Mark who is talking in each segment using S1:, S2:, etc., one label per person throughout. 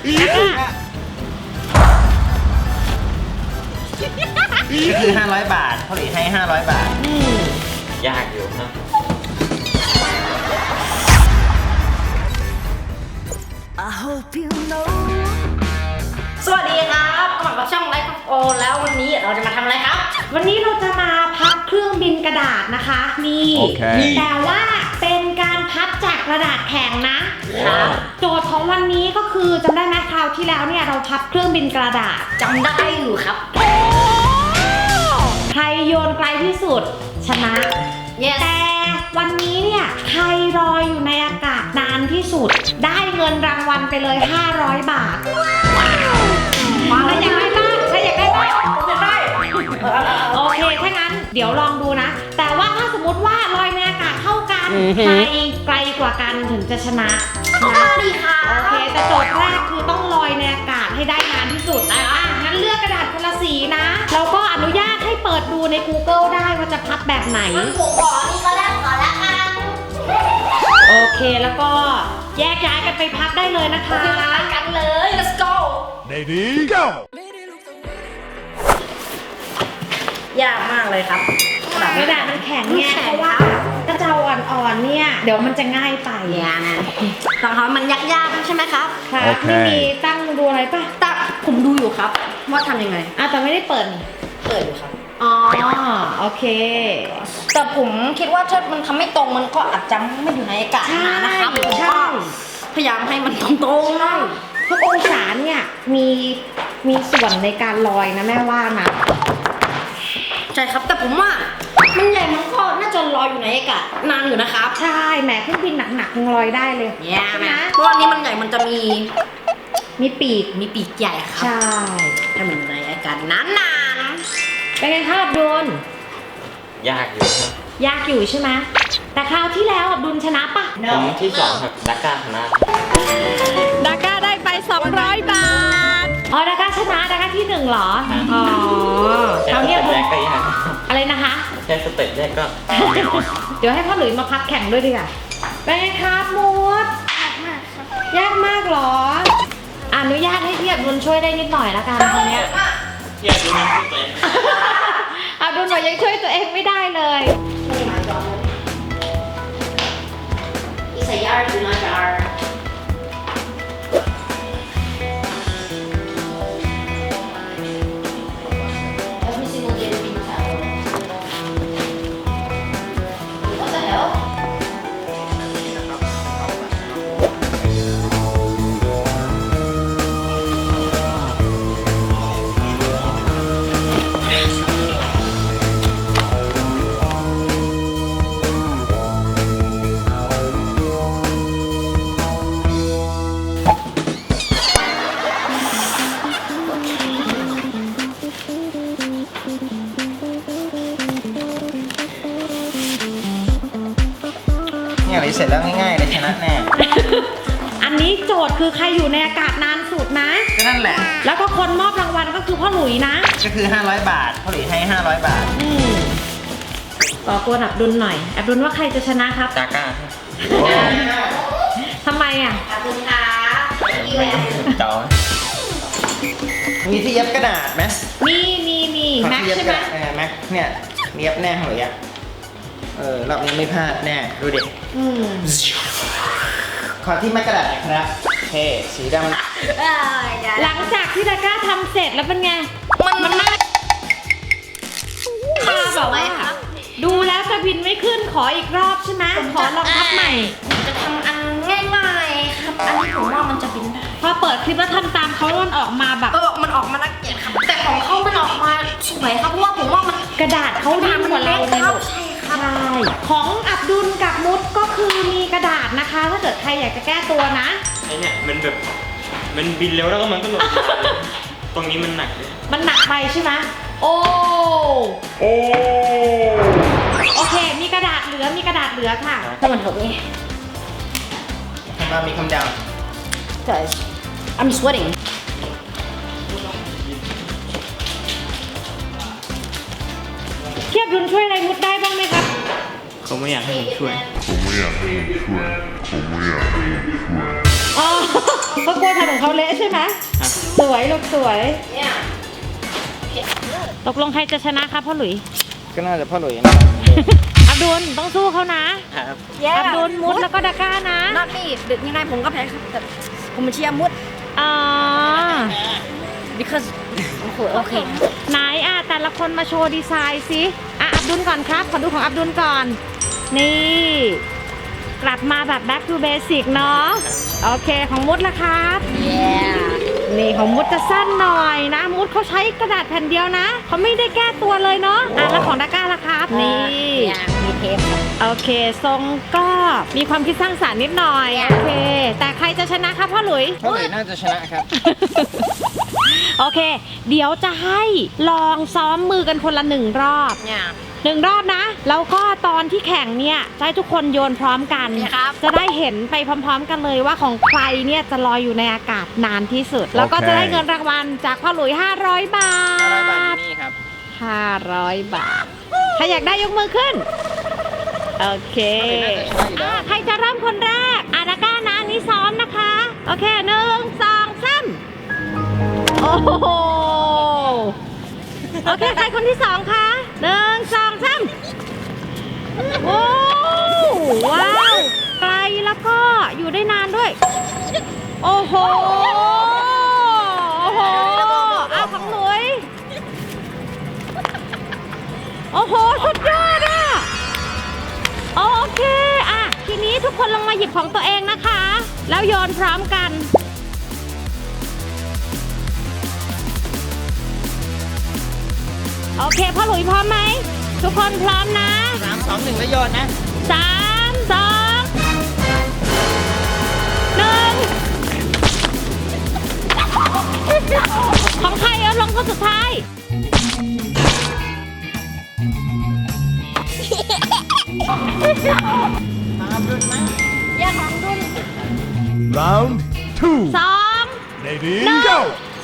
S1: ก็คือ500 บาทพ่อหลุยให้500 บาท
S2: ยากอยู่นะ
S3: สวัสดีครับกลับมาช่องไลฟ์โอแล้ววันนี้เราจะมาทำอะไรครับวันนี้เราจะมาพับเครื่องบินกระดาษนะคะนี่ แต่ว่าเป็นการพับจากกระดาษแข็งนะครับโจทย์ของวันนี้ก็คือจำได้ไหมคราวที่แล้วเนี่ยเราพับเครื่องบินกระดาษจำได้อยู่ครับใครโยนไกลที่สุดชนะ แต่วันนี้เนี่ยใครลอยอยู่ในอากาศนานที่สุดได้เงินรางวัลไปเลย500 บาทใครอยากได้บ้างใครอยากได้บ้างได้โอเคถ้างั้นเดี๋ยวลองดูนะแต่ว่าถ้าสมมติว่าลอยในอากาศเท่ากันใครไกลกว่ากันถึงจะชนะดีค่ะโอเคแต่โจทย์แรกคือต้องลอยในอากาศให้ได้นานที่สุดงั้นเลือกกระดาษคนละสีนะแล้วก็อนุญาตให้เปิดดูใน Google ได้ว่าจะพับแบบไหนผมขอนี่ก็ได้ขอละกันโอเคแล้วก็แยกย้ายกันไปพับได้เลยนะคะไปกันเลย let's go
S4: Lady go
S3: ยากมากเลยครับกระดาษมันแข็งไงเพราะว่ากระเจ้าอ่อนๆเนี่ยเดี๋ยวมันจะง่ายไปนะตอนเขามันยากๆใช่ไหมครับครับไม่มีตั้งดูอะไรป่ะตั้งผมดูอยู่ครับว่าทำยังไงแต่ไม่ได้เปิดอยู่ครับอ๋อโอเคแต่ผมคิดว่าถ้ามันทำไม่ตรงมันก็อาจจะไม่อยู่ในอากาศนานนะครับผมก็พยายามให้มันตรงๆเลยทุกองศาเนี่ยมีส่วนในการลอยนะแม่ว่านะใช่ครับแต่ผมว่ามันใหญ่มันก็น่าจะลอยอยู่ในอากาศนานอยู่นะครับใช่แหมเครื่องบินหนักๆยังลอยได้เลยเนี่ยนะเพราะอันนี้มันใหญ่มันจะมีปีกใหญ่ครับใช่ถ้ามันในอากาศนานๆเป็นไงครับอับดุล
S2: ยากอยู่ครับ
S3: ยากอยู่ใช่ไหมแต่คราวที่แล้วอับดุลชนะปะ
S2: ผมที่2ครับดักก้าชนะ
S3: ดาก้าได้ไป200 บาทอ๋อดาก้าชนะดาก้าที่1เหรออ๋อคราวนี้
S2: แรกก็ยาก
S3: อะไรนะคะ
S2: แค่สเต็ปแรกก็
S3: เดี๋ยวให้พ่อหลุยมาพับแข่งด้วยดีกว่าเป็นไงครับมูดยากมากเหรออนุญาตให้พี่อับดุลช่วยได้นิดหน่อยละกันตรงเนี้ย
S2: พี่อับดุลช่วยตัวเอง
S3: อับดุลบอกยังช่วยตัวเองไม่ได้เลยอีสายาร์ดูน่าจะ
S1: เสร็จแล้วง่ายๆเลยชนะแน่
S3: อันนี้โจทย์คือใครอยู่ในอากาศนานสุดนะ
S1: ก็นั่นแหละ
S3: แล้วก็คนมอบรางวัลก็คือพ่อหลุยนะ
S1: ก็คือ500 บาทพ่อหลุยให้500 บาท
S3: ต่อกวนอับดุลหน่อยอับดุลว่าใครจะชนะครับ
S2: ดาก้า
S3: ทำไมอับดุลคะ
S2: เจ้า
S1: มีที่เย็บกระดาษไหม
S3: มีแม็กใช่ไหม
S1: แม็กเนี่ยเย็บแน่หรือยังรอบนี้ไม่พลาดแน่ดูดิขอที่แม็กกระดาษหน่อยครับเท่สีดำ
S3: หลังจากที่ดาก้าทำเสร็จแล้วเป็นไงมันน่าบอกว่าดูแล้วจะบินไม่ขึ้นขออีกรอบใช่ไหมขอลองพับใหม่จะทำอันง่ายๆครับอันนี้ผมว่ามันจะบินได้พอเปิดคลิปแล้วทำตามเขามันออกมาแบบมันออกมาน่าเกลียดครับแต่ของเขามันออกมาสวยครับเพราะว่าผมว่ามันกระดาษเขาดีกว่าเราในโลกใช่ของอับดุลกับมุดก็คือมีกระดาษนะคะถ้าเกิดใครอยากจะแก้ตัวนะ
S2: ไอเนี่ยมันแบบมันบินเร็วแล้วก็มันก็หล่นตรงนี้มันหนักเลย
S3: มันหนักไปใช่ไหมโอเคมีกระดาษเหลือค่ะถ้ามันถูกนี่
S1: มามีคำดาว
S3: Guys I'm sweating เทียบดุลช่วยอะไรมุดได้บ้างไหมครับ
S2: เขาไม่อยากให้ผมช่วย
S3: ก็กลัวทำของเขาเละใช่ไหมสวยลูกสวยตกลงใครจะชนะครับพ่อหลุย
S1: ก็น่าจะพ่อหลุยนะ
S3: อับดุลต้องสู้เขานะ
S1: ครับ
S3: อับดุลมุดแล้วก็ดาก้านะ
S4: นัดนี่ดึกยังไงผมก็แพ้ครับแต่ผมเชียร์มุด
S3: อ๋อ
S4: because โอเค
S3: ไหนแต่ละคนมาโชว์ดีไซน์สิอับดุลก่อนครับขอดูของอับดุลก่อน นี่ กลับมาแบบ back to basic เนาะโอเคของมุดละครับ นี่ของมุดจะสั้นหน่อยนะ มุดเขาใช้กระดาษแผ่นเดียวนะเขาไม่ได้แก้ตัวเลยเนาะแล้วของดาก้าล่ะครับ นี่
S4: มีเทปครับ
S3: โอเค ทรงก็มีความคิดสร้างสรรค์นิดหน่อย โอเค แต่ใครจะชนะครับพ่อหลุย
S1: พ่อหลุยน่าจะชนะครับ
S3: โอเค เดี๋ยวจะให้ลองซ้อมมือกันคนละ1 รอบ
S4: เนี่ย
S3: 1 รอบนะ แล้วก็ตอนที่แข่งเนี่ยจะให้ทุกคนโยนพร้อมกัน
S4: ครับ
S3: จะได้เห็นไปพร้อมๆกันเลยว่าของใครเนี่ยจะลอยอยู่ในอากาศนานที่สุด แล้วก็จะได้เงินรางวัลจากพ่อหลุย500 บาท
S1: 500 บาทที่นี่ครับ
S3: 500 บาท ใครอยากได้ยกมือขึ้น โอเค ใครจะเริ่มคนแรกดาก้านะอันนี้ซ้อมนะคะ โอเค1 2 3โอ้โหโอเค ใครคนที่2คะ1 2 3โอ้ว้าวไกลแล้วก็อยู่ได้นานด้วย โอ้โห โอ้โหเอาของหลุย โอ้โห สุดยอดโอเคทีนี้ทุกคนลงมาหยิบของตัวเองนะคะ แล้วโยนพร้อมกัน โอเคพ่อหลุยพร้อมไหม ทุกคนพร้อมนะ
S1: 3 2 1 แล้วโยนนะ
S3: 3 2 1ของใครเอาลงคนสุดท้าย
S4: อย่าของดุน
S5: Round 2.
S3: 2
S5: Ready,
S3: No.
S5: go!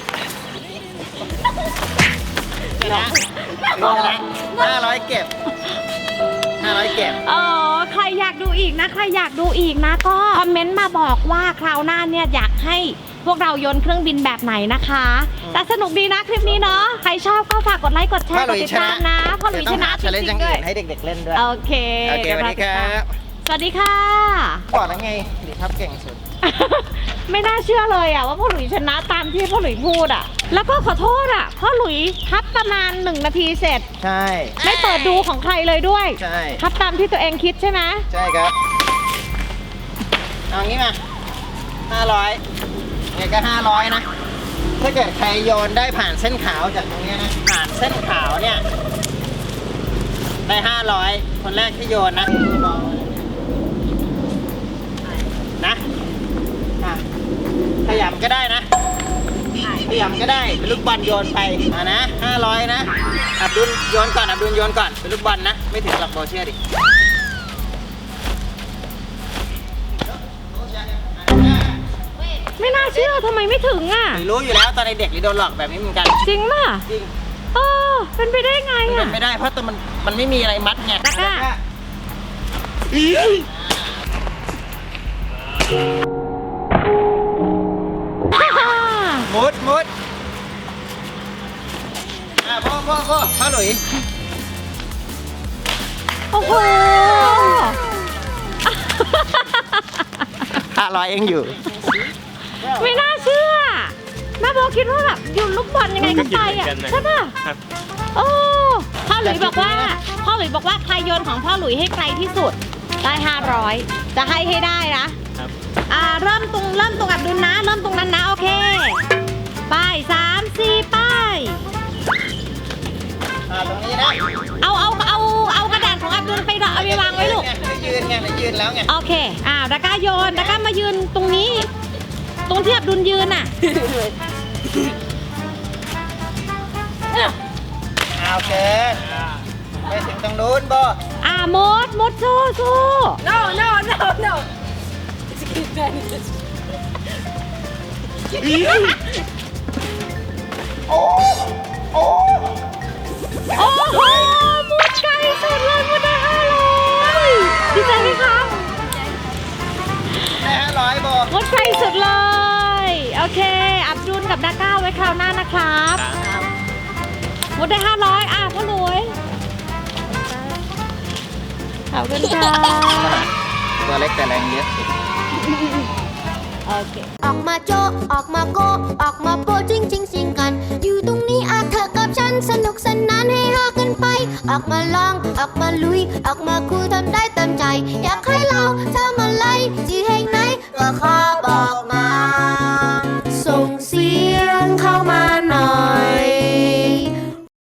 S1: 500 เก็บ 500 เก็บ
S3: ใครอยากดูอีกนะ ใครอยากดูอีกนะก็คอมเมนต์มาบอกว่าคราวหน้าเนี่ยอยากให้พวกเราโยนเครื่องบินแบบไหนนะคะ แต่สนุกดีนะคลิปนี้เนาะ ใครชอบก็ฝากกดไลค์กดแช
S1: พ่อ
S3: ร์
S1: ห
S3: ก
S1: ลุ
S3: ด
S1: ย
S3: ติด
S1: ช
S3: ตา
S1: นะ
S3: มนะพ่อหลุยชนะ
S1: เดี๋วต้องหา challenge
S3: จ
S1: อ
S3: ริ
S1: ย่าง
S3: งๆด้ว
S1: อื่
S3: ย
S1: นให้เด็กๆเล่นด้วย
S3: โอเค
S1: โอเค
S3: เดี๋ยว
S1: สวัส
S3: เรา
S1: ดี
S3: ติ
S1: ค
S3: ด
S1: รั
S3: ตาม
S1: บ
S3: สวัสดีค่ะ
S1: บอกแล้วไงดิครับเก่งสุด
S3: ไม่น่าเชื่อเลยว่าพ่อหลุยชนะตามที่พ่อหลุยพูดแล้วก็ขอโทษพ่อหลุยทับประมาณ1 นาทีเสร็จ
S1: ใช่
S3: ไม่เปิดดูของใครเลยด้วย
S1: ใช่
S3: ทับตามที่ตัวเองคิดใช่ไหม
S1: ใช่ครับ เอางี้มา500เนี่ยก็500นะ ถ้าเกิดใครโยนได้ผ่านเส้นขาวจากตรงเนี้ยนะ ผ่านเส้นขาวเนี่ย ได้500 คนแรกที่โยนนะขยับก็ได้นะขยับก็ได้เป็นลูกบอลโยนไปนะ500นะอับดุลโยนก่อนอับดุลโยนก่อนเป็นลูกบอลนะไม่ถึงหลักโบเชื่อดิ
S3: ไม่น่าเชื่อทำไมไม่ถึง
S1: หรือรู้อยู่แล้วตอนเด็กหรือโดนหลอกแบบนี้เหมือนกัน
S3: จริงป่ะ
S1: จริง
S3: เป็นไปได้ไง
S1: มันเป็นไม่ได้เพราะตัวมันไม่มีอะไรมัดไง
S3: ตะกร้า
S1: มุดพ่อหลุย
S3: โอ้โห
S1: 500เองอยู่
S3: ไม่น่าเชื่อแม่โบคิดว่าแบบโยนลูกบอลยังไงก็ไปใช่ป่ะ
S2: ครับ
S3: โอ้พ่อหลุยบอกว่าใครโยนของพ่อหลุยให้ไกลที่สุดได้500จะให้ได้นะครับ เริ่มตรงอับดุลนะเริ่มตรงนั้นนะโอเคไป3 4ไป
S1: ตรงนี้นะ
S3: เอากระดาษของอับดุลไปเอาไปวางไว้ลูก
S1: ยืนแล้วไง
S3: โอเคดาก้าโยนดาก้ามายืนตรงนี้ ตรงที่อับดุลยืน
S1: โอเคไปถึงตรงนู้นโบ
S3: มดสู้
S4: no no no no
S1: โอ้
S3: โอ้โหมดไกลสุดเลยมดได้500ดีใจไหมคะ
S1: ได้500โบ
S3: มดไกลสุดเลยโอเค อับดุลกับดาก้าไว้คราวหน้านะครับหมดได้500พ่อหลุยขอบคุณค่ะ
S1: ตัวเล็กแต่แรงเยอะ
S3: โอเค
S6: ออกมาโจะออกมาโกะออกมาโปะจริงจริงสิงกัน อยู่ตรงนี้อาเธอกับฉันสนุกสนานให้ฮากันไป ออกมาลองออกมาลุย ออกมาคุยทำได้เต็มใจ อยากให้เราทำ